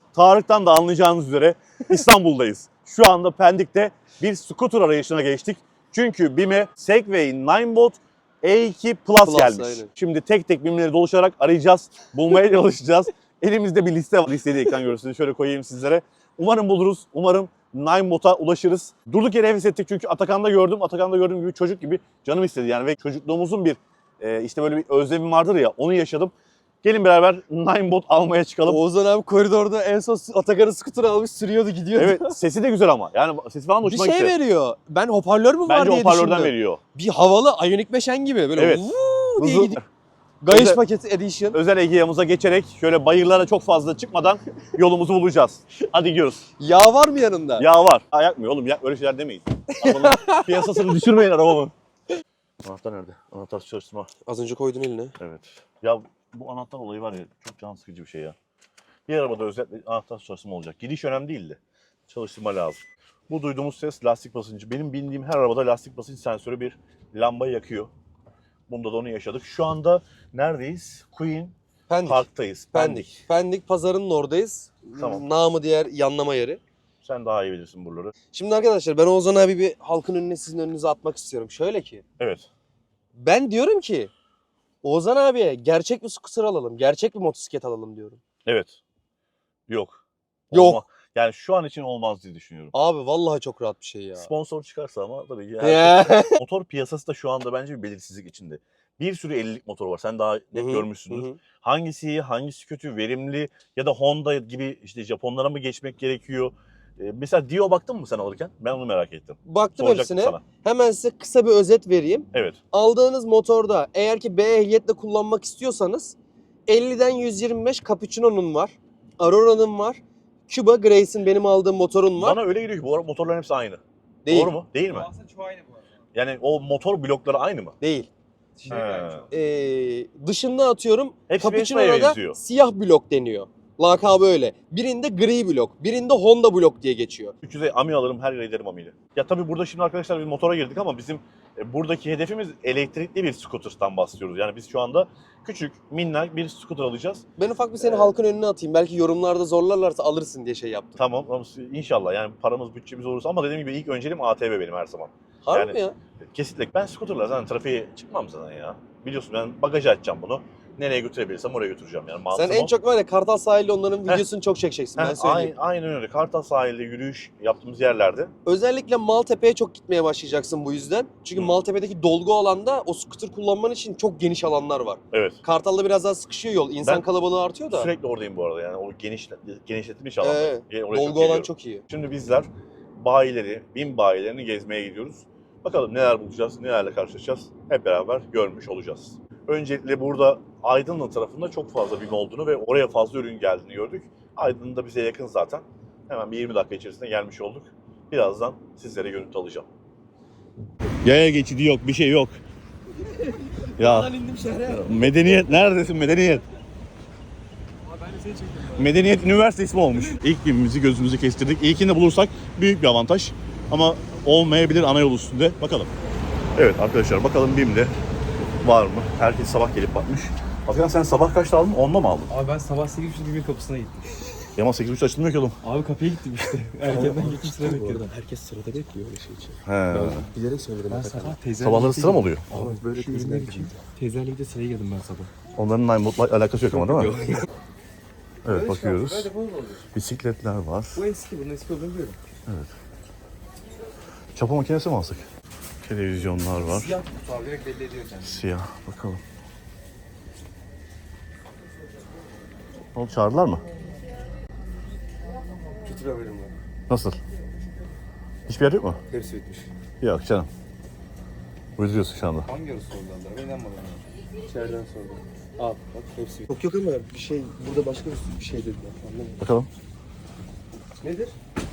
Tarık'tan da anlayacağınız üzere İstanbul'dayız. Şu anda Pendik'te bir scooter arayışına geçtik. Çünkü BİM'e Segway Ninebot E2 Plus gelmiş. Aynen. Şimdi tek tek BİM'leri dolaşarak arayacağız, bulmaya çalışacağız. Elimizde bir liste var. Listeyi de ekran görüntüsünü şöyle koyayım sizlere. Umarım buluruz, umarım Ninebot'a ulaşırız. Durduk yere heves ettik çünkü Atakan'da gördüğüm gibi çocuk gibi canım istedi yani ve çocukluğumuzun bir işte böyle bir özlemim vardır ya, onu yaşadım. Gelin beraber Ninebot almaya çıkalım. Oğuzhan abi koridorda en son Atakan'ın scooter almış sürüyordu gidiyordu. Evet, sesi de güzel ama. Yani sesi falan Bir hoşuma şey gitti. veriyor. Ben hoparlör mü var Bence diye hoparlörden düşündüm. veriyor. Bir havalı Ioniq 5N gibi böyle Evet. vuuu diye Hızlı- gidiyor. Gayiş Özel- paketi edition. Özel Egea'mıza geçerek şöyle bayırlara çok fazla çıkmadan yolumuzu bulacağız. Hadi gidiyoruz. Yağ var mı yanında? Yağ var. Ha, yakmıyor oğlum. Öyle şeyler demeyin. Arabanın piyasasını düşürmeyin arabamın. Anahtar nerede? Anahtar çalıştırma. Az önce koydun eline. Evet. Ya bu anahtar olayı var ya, çok can sıkıcı bir şey ya. Bir arabada özellikle anahtar çalıştırma olacak. Gidiş önemli değil de çalıştırma lazım. Bu duyduğumuz ses lastik basıncı. Benim bindiğim her arabada lastik basınç sensörü bir lamba yakıyor. Bunda da onu yaşadık. Şu anda neredeyiz? Queen Pendik. Park'tayız. Pendik. Pendik pazarının oradayız. Tamam. Namı diğer yanlama yeri. Sen daha iyi bilirsin buraları. Şimdi arkadaşlar ben Oğuzhan abi bir halkın önüne sizin önünüze atmak istiyorum. Şöyle ki. Evet. Ben diyorum ki Oğuzhan abiye gerçek bir scooter alalım. Gerçek bir motosiklet alalım diyorum. Evet. Yok. Yok. Yani şu an için olmaz diye düşünüyorum. Abi vallahi çok rahat bir şey ya. Sponsor çıkarsa ama tabii ki. Ya. Motor piyasası da şu anda bence bir belirsizlik içinde. Bir sürü 50'lik motor var. Sen daha net Hı hı, görmüşsündür. hı hı. Hangisi iyi, hangisi kötü, verimli ya da Honda gibi işte Japonlara mı geçmek gerekiyor? Mesela Dio baktın mı sen alırken? Ben onu merak ettim. Baktım Soracaktım hepsine. sana. Hemen size kısa bir özet vereyim. Evet. Aldığınız motorda eğer ki B ehliyetle kullanmak istiyorsanız 50'den 125 Capuchino'nun var. Aurora'nın var. Cuba Grace'in benim aldığım motorun var. Bana öyle geliyor ki bu motorların hepsi aynı. Değil. Doğru mu? Değil mi? Aslında çoğu aynı bu arada. Yani o motor blokları aynı mı? Değil. Şey He. yani çok. Dışında atıyorum Hepsi Capuchino'da Vespa'ya da benziyor. siyah blok deniyor. Lakabı öyle. Birinde gri blok, birinde Honda blok diye geçiyor. 300'e Ami alırım, her yere giderim Ami'yle. Ya tabii burada şimdi arkadaşlar bir motora girdik ama bizim buradaki hedefimiz elektrikli bir scooter'dan bahsediyoruz. Yani biz şu anda küçük, minnak bir scooter alacağız. Ben ufak bir seni halkın önüne atayım. Belki yorumlarda zorlarlarsa alırsın diye şey yaptım. Tamam ama inşallah yani paramız, bütçemiz olursa ama dediğim gibi ilk önceliğim ATV benim her zaman. Harbi yani- mi ya? Kesinlikle. Ben scooter'la zaten trafiğe çıkmam zaten ya. Biliyorsun ben bagaja açacağım bunu. Nereye götürebilirsem oraya götüreceğim yani. Sen Mantığım en o. çok var ya Kartal sahilde onların Heh. videosunu çok çekeceksin ben söyleyeyim. Aynen öyle. Kartal sahilde yürüyüş yaptığımız yerlerde. Özellikle Maltepe'ye çok gitmeye başlayacaksın bu yüzden. Çünkü Hı. Maltepe'deki dolgu alanda o scooter kullanman için çok geniş alanlar var. Evet. Kartal'da biraz daha sıkışıyor yol. İnsan Ben kalabalığı artıyor da. Sürekli oradayım bu arada yani. O genişletilmiş alan. Oraya çok dolgu alan geliyorum. çok iyi. Şimdi bizler bayileri, BİM bayilerini gezmeye gidiyoruz. Bakalım neler bulacağız, nelerle karşılaşacağız. Hep beraber görmüş olacağız. Öncelikle burada Aydınlı tarafında çok fazla BİM olduğunu ve oraya fazla ürün geldiğini gördük. Aydın da bize yakın zaten. Hemen bir 20 dakika içerisinde gelmiş olduk. Birazdan sizlere görüntü alacağım. Yaya geçidi yok, bir şey yok. Ya indim şehre. medeniyet neredesin medeniyet? Ben de seni çektim. Medeniyet Üniversite ismi olmuş. İlk BİM'imizi gözümüzü kestirdik. İlkini de bulursak büyük bir avantaj. Ama olmayabilir ana yol üstünde. Bakalım. Evet arkadaşlar bakalım BİM'de var mı? Herkes sabah gelip bakmış. Hakan sen sabah kaçta aldın? 10'da mı aldın? Abi ben sabah 8.30'da bir kapısına gittim. Yaman 8.30 açılmıyor ki oğlum. Abi kapıya gittim işte. Erkenden gittim sıra bekledim. Herkes sırada bekliyor öyle şey için. He. Bilerek söyledim. Ben sabah teyzelerle Sabahları sıra mı oluyor? Ama böyle Şu ürünler için teyzelerle birlikte sıraya girdim ben sabah. Onların Ninebot'la alakası yok ama değil mi? Yok. Evet bakıyoruz. Böyle bu oluyor. Bisikletler var. Bu eski, bunun eski olduğunu biliyorum. Çapa makinesi mi alsak? Televizyonlar var. Siyah kutu abi direkt belli ediyor kendini. Siyah. Bakalım. Ne oldu, çağırdılar mı? Kötü bir haberim var. Nasıl? Hiçbir yer yok mu? Hepsi bitmiş. Yok canım. Uyduruyorsun şu anda. Hangi arası oldu Allah? Ben inanmadım. İçeriden sordum. Al bak hepsi bitmiş. Yok ama bir şey burada başka bir şey dediler. Anlamadım. Bakalım. Nedir?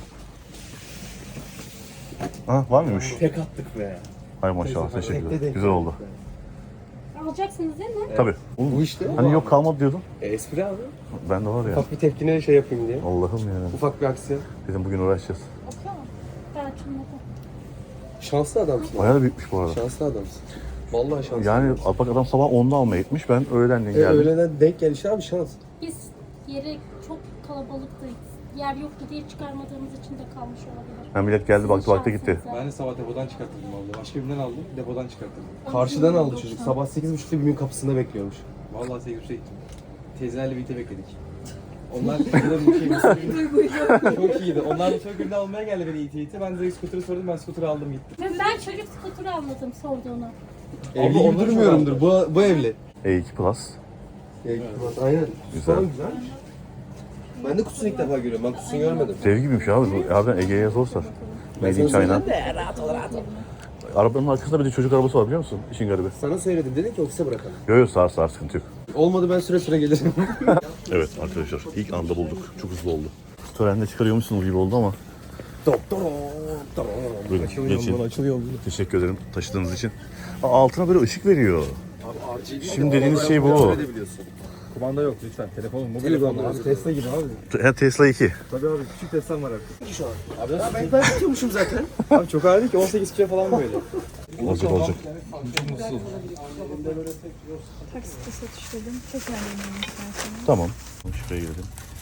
Ha, var mıymış? Tek attık be. Hay maşallah, teşekkürler. Tekte denk Güzel oldu. geldik be. Alacaksınız değil mi? Tabii. Bu işte. Hani yok kalmadı diyordun. Espri abi. Ben de var ya. Ufak bir tepkine şey yapayım diye. Allah'ım ya. Ufak bir aksiyon. Dedim bugün uğraşacağız. Bakıyor mu? Ben açılmadı. Şanslı adamsın. Bayağı da büyükmüş bu arada. Şanslı adamsın. Vallahi şanslı. Yani bak adam sabah 10'da almaya gitmiş. Ben öğlenden geldim. Öğleden denk gelişi abi şans. Biz yere çok kalabalıktı. Yer yoktu diye çıkarmadığımız için de kalmış olabilir. Ha, millet geldi baktı baktı gitti. Şansınıza. Ben de sabah depodan çıkarttırdım abla. Başka birinden aldım, depodan çıkarttırdım. Karşıdan aldı çocuk. Sabah 8.30'da BİM'in kapısında bekliyormuş. Vallahi 8.30'a gittim. Teyzelerle birlikte bekledik. Onlar da çok iyiydi. Onlar da çok ürünü almaya geldi beni iti. Ben de scooter'ı sordum, ben scooter'ı aldım gittim. Ve ben çocuk skuturu anladım sorduğunu. Evli gibi onlar durmuyorumdur. Bu evli. E2 Plus. Aynen. Güzel. Sonra güzelmiş. Ben de kutusunu ilk defa görüyorum. Ben kutusunu görmedim. Dev gibiymiş abi. Bu harbiden Ege'ye sorsa. Made in China. Arabanın arkasında bir de çocuk arabası var biliyor musun? İşin garibi. Sana söyledim. Dedin ki ofise bırakalım. Yo yo sağır sıkıntı yok. Olmadı ben süre süre gelirim. Evet arkadaşlar ilk anda bulduk. Çok hızlı oldu. Törende çıkarıyormuşsunuz gibi oldu ama. Buyurun geçin. Açılıyor. Teşekkür ederim taşıdığınız için. Altına böyle ışık veriyor. Abi RGB. Şimdi dediğiniz şey bu. Kumanda yok lütfen. Telefonum, mobil telefon abi. Tesla gibi abi. Tesla 2. Tabii abi, küçük Tesla'm var artık. Şu an. Abi ben tutuyormuşum zaten. Abi çok ağır değil ki, 18 kilo falan böyle. Olacak olacak. Çok mutsuz. Taksitle satışladım. Çok memnunum istersen. Tamam. Şuraya girelim.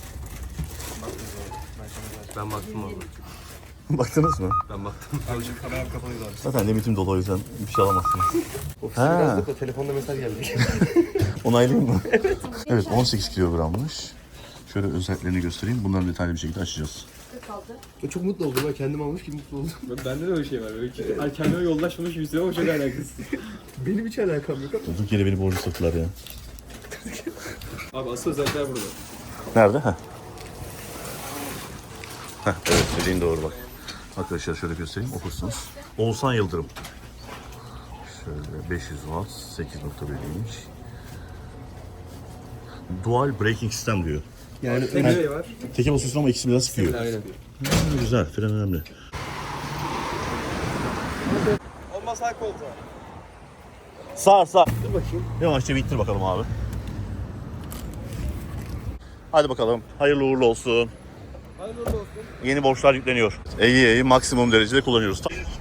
Ben baktım abi. Baktınız mı? Ben baktım. Abi şimdi kameram kapalıydı abi. Zaten limitim dolu o yüzden bir şey alamazsınız. Ofiste Ha. biraz da telefonda mesaj geldi. Onaylayayım mı? Evet 18 kilogrammış. Şöyle özelliklerini göstereyim. Bunları detaylı bir şekilde açacağız. Çok mutlu oldum. Ben kendim almış gibi mutlu oldum. Bende de öyle şey var. Böyle ki, kendime yoldaşmamış gibi hissediyorum ama çok alakasız. Benim hiç alakam yok. Durduk yere beni borcu soktular ya. Abi asıl özellikler burada. Nerede? Heh, evet dediğin doğru bak. Arkadaşlar şöyle göstereyim okursunuz. Oğuzhan Yıldırım. Şöyle 500 watt 8.1 inç. Dual braking sistem diyor. Yani Tek şey var. Teke basıyorsun ama ikisi biraz sıkıyor. aynen. Güzel, fren önemli. Olmaz sağ koltuğa. Sağ. Dur bakayım. Yavaşça bir ittir bakalım abi. Hadi bakalım. Hayırlı uğurlu olsun. Hayırlı olsun. Yeni borçlar yükleniyor. Ege'yi maksimum derecede kullanıyoruz.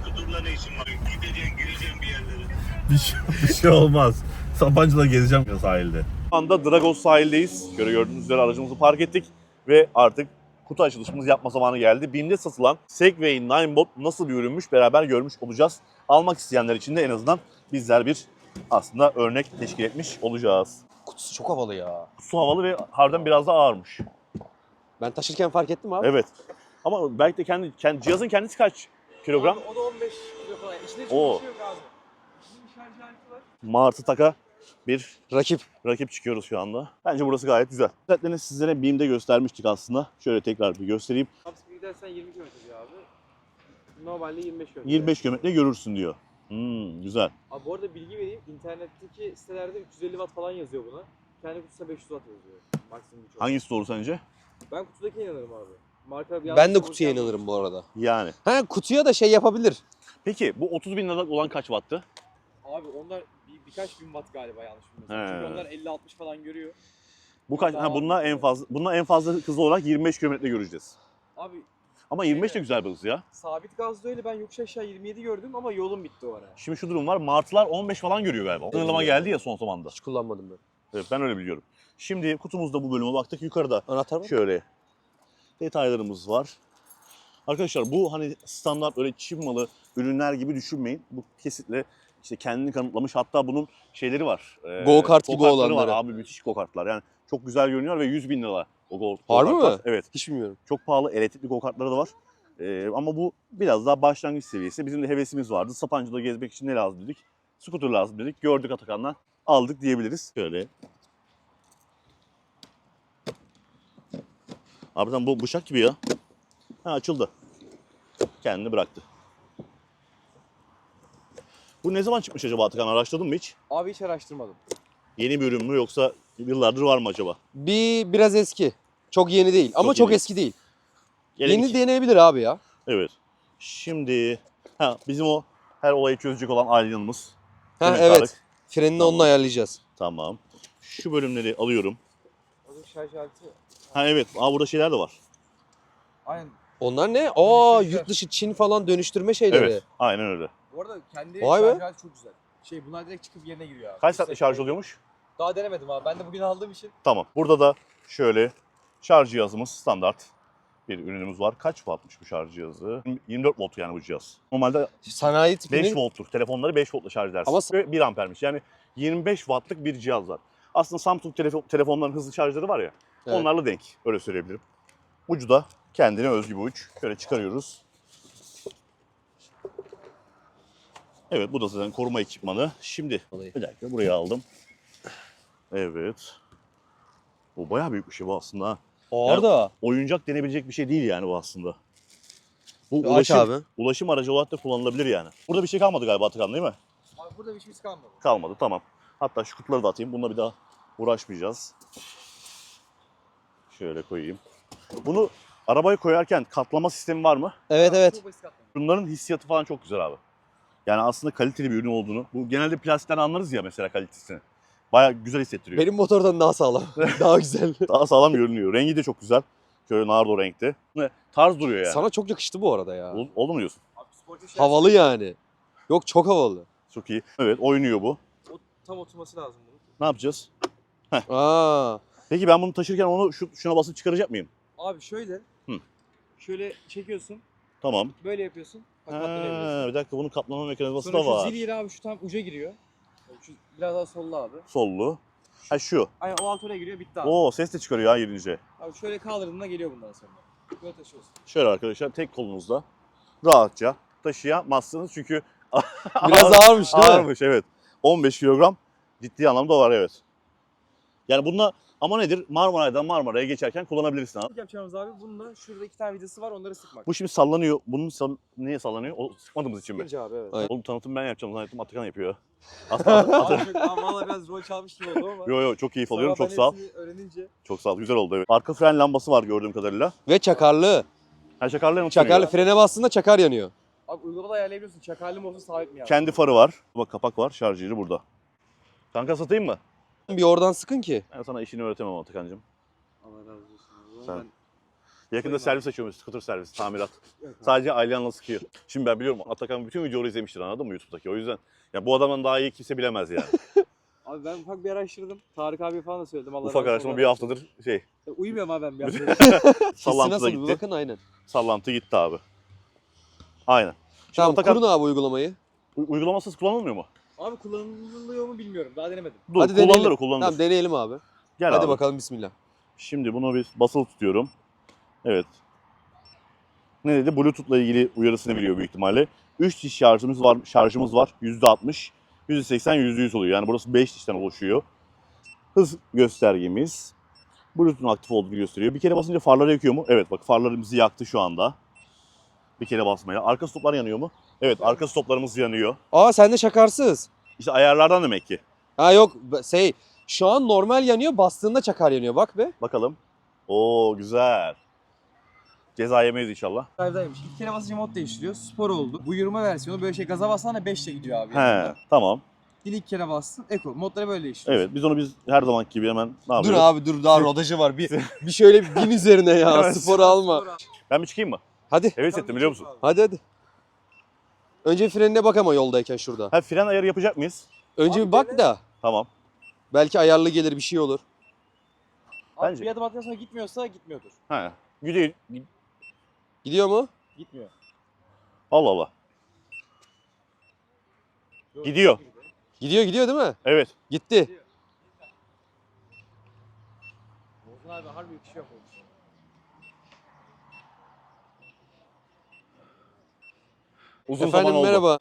Bir şey olmaz. Sabancı'da gezeceğim sahilde. Şu anda Dragos sahildeyiz. Gördüğünüz üzere aracımızı park ettik. Ve artık kutu açılışımızı yapma zamanı geldi. BİM'de satılan Segway Ninebot nasıl bir ürünmüş beraber görmüş olacağız. Almak isteyenler için de en azından bizler bir aslında örnek teşkil etmiş olacağız. Kutusu çok havalı ya. Su havalı ve harbiden biraz da ağırmış. Ben taşırken fark ettim abi. Evet. Ama belki de kendi cihazın kendisi kaç kilogram? O da 15 kilo falan. İçinde çok Oo. bir şey yok abi. İçinde bir şarj aleti var. Martı taka bir Rakip. rakip çıkıyoruz şu anda. Bence burası gayet güzel. Özetlerini sizlere BİM'de göstermiştik aslında. Şöyle tekrar bir göstereyim. Upspeed gidersen 20 km diyor abi. Normalde 25 km. 25 kilometre görürsün diyor. Güzel. Abi bu arada bilgi vereyim. İnternetteki sitelerde 350 watt falan yazıyor buna. Kendi kutusunda 500 watt yazıyor. Maksimum güç. Hangisi doğru sence? Ben kutudakine inanırım abi. Marka bir Ben de kutuya inanırım bu arada. Yani. Ha kutuya da şey yapabilir. Peki bu 30 bin liralık olan kaç wattı? Abi onlar birkaç bin watt galiba yanlış bilmiyorsam. He. Çünkü onlar 50-60 falan görüyor. Bu kaç? Ha, bununla en fazla hızlı olarak 25 kilometre göreceğiz. Abi Ama 25 de güzel bir hız ya. sabit gazda öyle, ben yokuş aşağı 27 gördüm ama yolum bitti o ara. Şimdi şu durum var. Martılar 15 falan görüyor galiba. Sınırlama geldi ya son zamanda. Hiç kullanmadım ben. Evet ben öyle biliyorum. Şimdi kutumuzda bu bölüme baktık. Yukarıda Anahtar mı? şöyle detaylarımız var. Arkadaşlar bu hani standart öyle Çin malı ürünler gibi düşünmeyin. Bu kesinlikle işte kendini kanıtlamış. Hatta bunun şeyleri var. Go kart gibi go-kartları olanları. var abi, müthiş go kartlar. Yani çok güzel görünüyor ve 100 bin lira o go Harbi kartlar. mi? Evet. Hiç bilmiyorum. Çok pahalı elektrikli go kartları da var. Ama bu biraz daha başlangıç seviyesi. Bizim de hevesimiz vardı. Sapancı'da gezmek için ne lazım dedik? Scooter lazım dedik. Gördük Atakan'dan. Aldık diyebiliriz. Şöyle. Harbiden bu bıçak gibi ya. Ha açıldı. Kendini bıraktı. Bu ne zaman çıkmış acaba Atakan? Araştırdın mı hiç? Abi hiç araştırmadım. Yeni bir ürün mü yoksa yıllardır var mı acaba? Biraz eski. Çok yeni değil ama Çok çok yeni. eski değil. Gelelim Yeni ki- deneyebilir abi ya. Evet. Şimdi bizim o her olayı çözecek olan Aylin'imiz. Ha Demek evet. Tarık. Frenini Tamam. onunla ayarlayacağız. Tamam. Şu bölümleri alıyorum. O da şarj aleti. Ha evet. Burada şeyler de var. Aynen. Onlar ne? Dönüştürücüler. Yurt dışı Çin falan dönüştürme şeyleri. Evet. Aynen öyle. Bu arada kendi Vay be. şarj aleti çok güzel. Bunlar direkt çıkıp yerine giriyor abi. Kaç saatte şarj oluyormuş? Daha denemedim abi. Ben de bugün aldığım için. Tamam. Burada da şöyle Şarj cihazımız standart bir ürünümüz var. Kaç wattmış bu şarj cihazı? 24 volt yani bu cihaz. Normalde Sanayi 5 tipinin volttur. Telefonları 5 voltla şarj edersin. Ama- Ve 1 ampermiş. Yani 25 wattlık bir cihaz var. Aslında Samsung telefonların hızlı şarjları var ya. Evet. Onlarla denk. Öyle söyleyebilirim. Ucu da kendine özgü bir uç. Şöyle çıkarıyoruz. Evet, bu da zaten koruma ekipmanı. Şimdi bir dakika buraya aldım. Evet. Bu bayağı büyük bir şey bu aslında. Ha. ağır da. Oyuncak denebilecek bir şey değil yani bu aslında. Bu Aç abi. ulaşım aracı olarak da kullanılabilir yani. Burada bir şey kalmadı galiba Atakan, değil mi? Abi burada bir şeyimiz kalmadı. Kalmadı, tamam. Hatta şu kutuları da atayım. Bununla bir daha uğraşmayacağız. Şöyle koyayım. Bunu arabaya koyarken katlama sistemi var mı? Evet evet. Çok basit katlanıyor. Bunların hissiyatı falan çok güzel abi. Yani aslında kaliteli bir ürün olduğunu. Bu genelde plastikten anlarız ya mesela kalitesini. Bayağı güzel hissettiriyor. Benim motordan daha sağlam. Daha güzel. Daha sağlam görünüyor. Rengi de çok güzel. Şöyle nardo renkte. Tarz duruyor yani. Sana çok yakıştı bu arada ya. Oldu mu diyorsun? Abi sportif şey Havalı yani. Yok çok havalı. Çok iyi. Evet, oynuyor bu. tam oturması lazım bunun. Ne yapacağız? Aa. Peki ben bunu taşırken onu şuna basıp çıkaracak mıyım? Abi şöyle. Hı. Şöyle çekiyorsun. Tamam. Böyle yapıyorsun. Bak Ha, katlanabiliyorsun. bir dakika, bunun kaplama mekanizması Sonra da şu var. zil yeri abi şu tam uca giriyor. Şu biraz daha solla abi. Sollu. Ha şu. Aynen o alt oraya giriyor bitti abi. Oo, ses de çıkarıyor ha girince. Abi şöyle kaldırdığında geliyor bundan sonra. Böyle taşıyorsun. Şöyle arkadaşlar, tek kolunuzda rahatça taşıyamazsınız çünkü Biraz ağırmış değil mi? ağırmış, evet. 15 kilogram ciddi anlamda var, evet. Yani bununla ama nedir? Marmaray'dan Marmara'ya geçerken kullanabilirsin abi. İlk yapacağımız abi bununla şurada 2 tane vidası var onları sıkmak. Bu şimdi sallanıyor. Bunun niye sallanıyor? O sıkmadığımız için mi? Sıkınca abi evet. Aynen. Oğlum tanıtım ben yapacağım. Zannettim Atakan yapıyor. Aslında Abi çok valla biraz rol çalmış gibi oldu ama. Yo çok keyif alıyorum. Sonra Çok ben sağ ol. hepsini öğrenince. Çok sağ ol. Güzel oldu, evet. Arka fren lambası var gördüğüm kadarıyla. Ve çakarlı. Ha, çakarlı mı? Çakarlı frene bastığında çakar yanıyor. Abi uygulamada ayarlayabiliyorsun. Çakarlı mı olsun sabit mi yani? Kendi farı var. Bak, kapak var. Şarj yeri burada. Kanka satayım mı? Bir oradan sıkın ki. Ben sana işini öğretemem Atakan'cığım. Allah razı olsun. Sen- Ben... Yakında servis açıyormuş. Scooter servis, tamirat. Sadece Aylan'la sıkıyor. Şimdi ben biliyorum, Atakan bütün videoları izlemiştir, anladın mı YouTube'daki? O yüzden ya bu adamdan daha iyi kimse bilemez yani. Abi ben ufak bir araştırdım. Tarık abi falan da söyledim. Allah Ufak razı olsun. araştırma bir haftadır Uyumuyorum abi ben bir haftadır. Hissi sallantı da nasıl bir gitti. bakın aynen. Sallantı gitti abi. Aynen. Şimdi Tamam Atakan, kurun abi uygulamayı. uygulamasız kullanılmıyor mu? Abi kullanılıyor mu bilmiyorum. Daha denemedim. Dur, Hadi kullanılır, deneyelim. kullanılır. Tamam deneyelim abi. Gel Hadi abi. bakalım bismillah. Şimdi bunu bir basılı tutuyorum. Evet. Ne dedi? Bluetooth'la ilgili uyarısını biliyor büyük ihtimalle. 3 diş şarjımız var. %60, %80, %100 oluyor. Yani burası 5 dişten oluşuyor. Hız göstergemiz. Bluetooth'un aktif olduğunu gösteriyor. Bir kere basınca farları yakıyor mu? Evet, bak farlarımızı yaktı şu anda. Bir kere basmaya. Arka stoplar yanıyor mu? Evet, arka stoplarımız yanıyor. Aa sende çakarsız. İşte ayarlardan demek ki. Ha yok şu an normal yanıyor, bastığında çakar yanıyor bak be. Bakalım. Oo, güzel. Ceza yemeyiz inşallah. Drive'daymış. 2 kere basınca mod değiştiriyor. Spor oldu. Bu yürüme versiyonu böyle gaz'a bassan da 5 ile gidiyor abi. He, tamam. Dil 2 kere bastın. Eko. Modları böyle değiştiriyor. Evet, biz her zamanki gibi hemen ne Dur yapıyoruz? abi dur daha rodajı var. Bir şöyle bir bin üzerine ya. Evet. Spor alma. Ben bir çıkayım mı? Hadi. Heves ettim, biliyor musun? Hadi. Önce frenine bak ama yoldayken şurada. Ha, fren ayarı yapacak mıyız? Önce Abi bir bak dene. da. Tamam. Belki ayarlı gelir bir şey olur. Abi Bence. bir adım attıktan sonra gitmiyorsa gitmiyordur. Ha. Gidiyor. Gidiyor mu? Gitmiyor. Allah Allah. Gidiyor. Gidiyor değil mi? Evet. Gitti. Ozan abi harbi bir şey yok olmuş. Uzun Efendim zaman oldu. merhaba.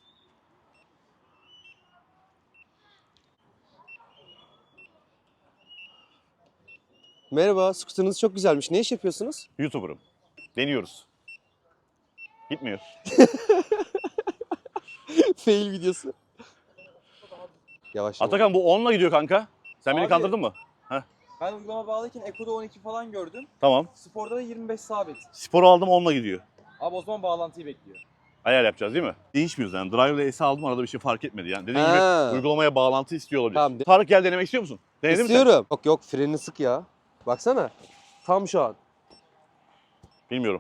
Merhaba, skuterınız çok güzelmiş. Ne iş yapıyorsunuz? YouTuber'ım. Deniyoruz. Gitmiyor. Fail videosu. Yavaş. Atakan bu 10'la gidiyor kanka. Sen beni Abi. kandırdın mı? Ben uygulama bağlıyken Eko'da 12 falan gördüm. Tamam. Sporda da 25 sabit. Sporu aldım, 10'la gidiyor. Abi o zaman bağlantıyı bekliyor. Ayar yapacağız değil mi? Değişmiyoruz yani. Drive ile S aldım, arada bir şey fark etmedi yani. Dediğim Ha. gibi uygulamaya bağlantı istiyor olabilir. Tamam. Tarık, gel, denemek istiyor musun? Denedin mi sen? İstiyorum. Yok frenini sık ya. Baksana. Tam şu an. Bilmiyorum.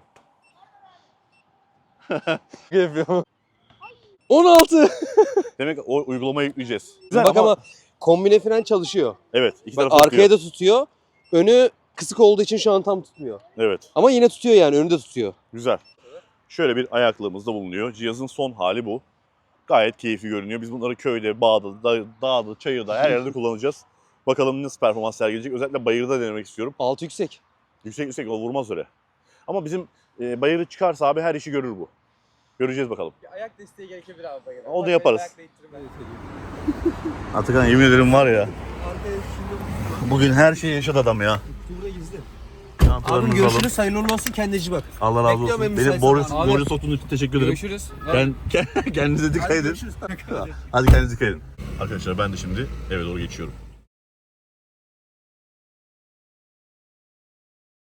Yapıyorum. 16. Demek o uygulamayı yükleyeceğiz. Güzel Bak ama kombine fren çalışıyor. evet, iki Bak tarafı arkaya da tutuyor. Önü Kısık olduğu için şu an tam tutmuyor. Evet. Ama yine tutuyor yani, önünde tutuyor. Güzel. Şöyle bir ayaklığımız da bulunuyor. Cihazın son hali bu. Gayet keyifli görünüyor. Biz bunları köyde, bağda, dağda, çayırda her yerde kullanacağız. Bakalım nasıl performans sergileyecek. Özellikle bayırda denemek istiyorum. Altı yüksek. Yüksek o vurmaz öyle. Ama bizim bayırı çıkarsa abi her işi görür bu. Göreceğiz bakalım. Ayak desteği gerekebilir abi bayıra. Onu yaparız. Ayak değdirmem gerekiyor. Atakan yemin ederim var ya. Bugün her şeyi yaşadı adam ya. Burada gizli. Çantalarınızı Abim alın. görüşürüz. Hayırlı uğurlu olsun. Kendine iyi bak. Allah razı Bekliyorum olsun. en Beni müsait borcu zamanda. soktuğunuz için teşekkür ederim. Görüşürüz. Kendinize dikkat edin. Hadi kendinize dikkat edin. Arkadaşlar ben de şimdi eve doğru geçiyorum.